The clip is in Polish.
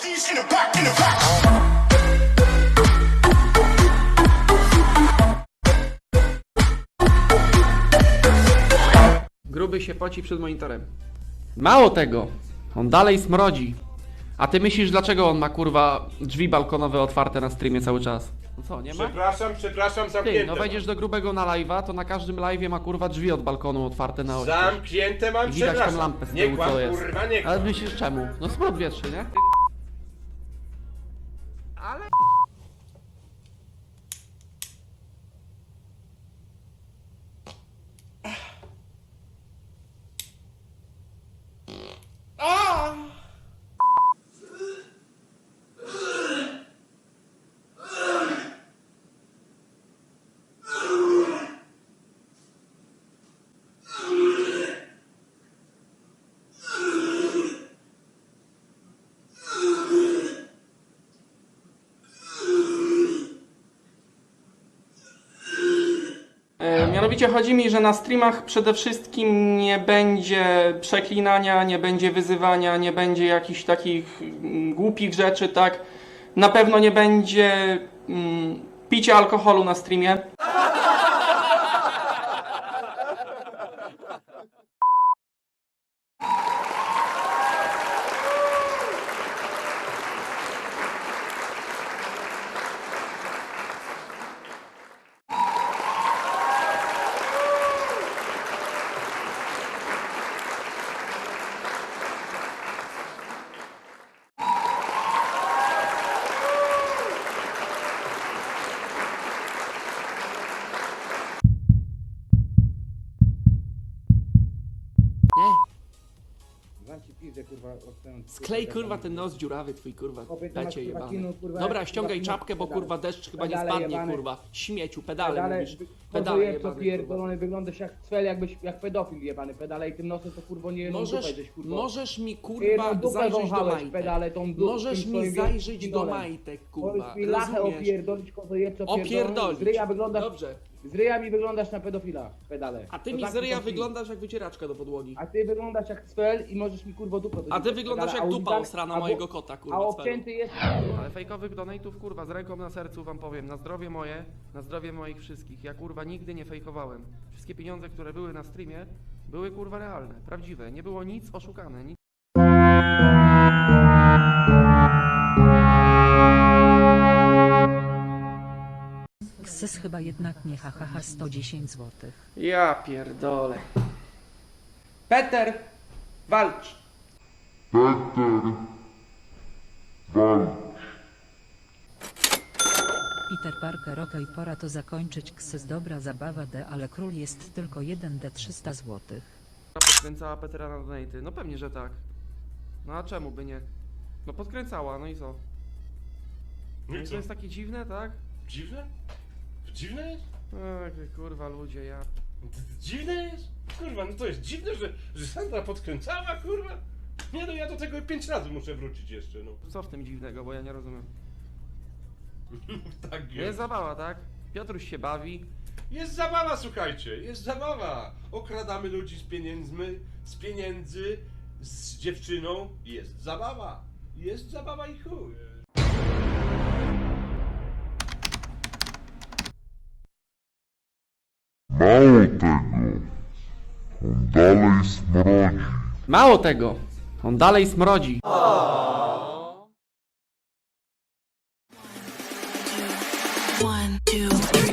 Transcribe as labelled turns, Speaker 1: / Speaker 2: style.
Speaker 1: Gruby się poci przed monitorem. Mało tego, on dalej smrodzi. A ty myślisz, dlaczego on ma kurwa drzwi balkonowe otwarte na streamie cały czas? No co, nie ma?
Speaker 2: Przepraszam, zamknięte.
Speaker 1: Ty, no wejdziesz do grubego na live'a, to na każdym live'ie ma kurwa drzwi od balkonu otwarte na oś.
Speaker 2: Zamknięte mam,
Speaker 1: I widać
Speaker 2: przepraszam.
Speaker 1: tą lampę z
Speaker 2: Nie
Speaker 1: tyłu,
Speaker 2: kłam,
Speaker 1: co jest.
Speaker 2: kurwa, nie kłam.
Speaker 1: Ale myślisz czemu? No smród wietrzy, nie? Ale... Mianowicie chodzi mi, że na streamach przede wszystkim nie będzie przeklinania, nie będzie wyzywania, nie będzie jakichś takich głupich rzeczy, tak? Na pewno nie będzie picia alkoholu na streamie. Nie. Sklej kurwa ten nos dziurawy twój kurwa, dacie jebany. Dobra, ściągaj czapkę, bo kurwa deszcz chyba nie spadnie kurwa. Śmieciu, pedale mówisz. Pedale jebane,
Speaker 3: pierdolony, wyglądasz jak cwel, jak pedofil jebany. Pedale i tym nosem to kurwa nie
Speaker 1: Możesz mi kurwa zajrzeć do majtek.
Speaker 3: pedale, tą
Speaker 1: Możesz mi zajrzeć do majtek kurwa,
Speaker 3: Możesz mi lachę
Speaker 1: rozumiesz?
Speaker 3: opierdolić, kozo jebco
Speaker 1: Opierdolić.
Speaker 3: Z ryja wyglądasz,
Speaker 1: Dobrze.
Speaker 3: z ryja mi wyglądasz na pedofila, pedale.
Speaker 1: A ty
Speaker 3: To
Speaker 1: mi
Speaker 3: tak
Speaker 1: z ryja
Speaker 3: to ci.
Speaker 1: wyglądasz jak wycieraczka do podłogi.
Speaker 3: A ty wyglądasz jak cwel i możesz mi kurwa dupę.
Speaker 1: A ty wyglądasz jak dupa osrana mojego kota kurwa.
Speaker 3: A
Speaker 1: cwelu.
Speaker 3: obcięty jest...
Speaker 1: Ale fejkowych donate'ów kurwa z ręką na sercu wam powiem, na zdrowie moje, na zdrowie moich wszystkich. Ja kurwa nigdy nie fejkowałem. Wszystkie pieniądze, które były na streamie, były kurwa realne, prawdziwe. Nie było nic oszukane. Nic...
Speaker 4: Ksys chyba jednak nie hahaha 110 zł.
Speaker 1: Ja pierdolę. Peter, walcz.
Speaker 4: Peter Parker okej, pora to zakończyć. Ksys dobra zabawa ale król jest tylko 1 300 zł.
Speaker 1: Podkręcała Petera na donate'y. No pewnie, że tak. No a czemu by nie? No podkręcała, no i co? No i to jest takie dziwne, tak?
Speaker 2: Dziwne? Dziwne jest?
Speaker 1: Ech, kurwa ludzie, ja...
Speaker 2: Dziwne jest? Kurwa, no to jest dziwne, że Sandra podkręcała, kurwa? Nie no, ja do tego 5 razy muszę wrócić jeszcze, no.
Speaker 1: Co w tym dziwnego, bo ja nie rozumiem.
Speaker 2: Tak jest.
Speaker 1: Jest zabawa, tak? Piotruś się bawi.
Speaker 2: Jest zabawa, słuchajcie, jest zabawa. Okradamy ludzi z pieniędzy, z dziewczyną. Jest zabawa. Jest zabawa i chuj.
Speaker 5: Mało tego, on dalej smrodzi.
Speaker 1: Mało tego, on dalej smrodzi.
Speaker 6: One, two, three.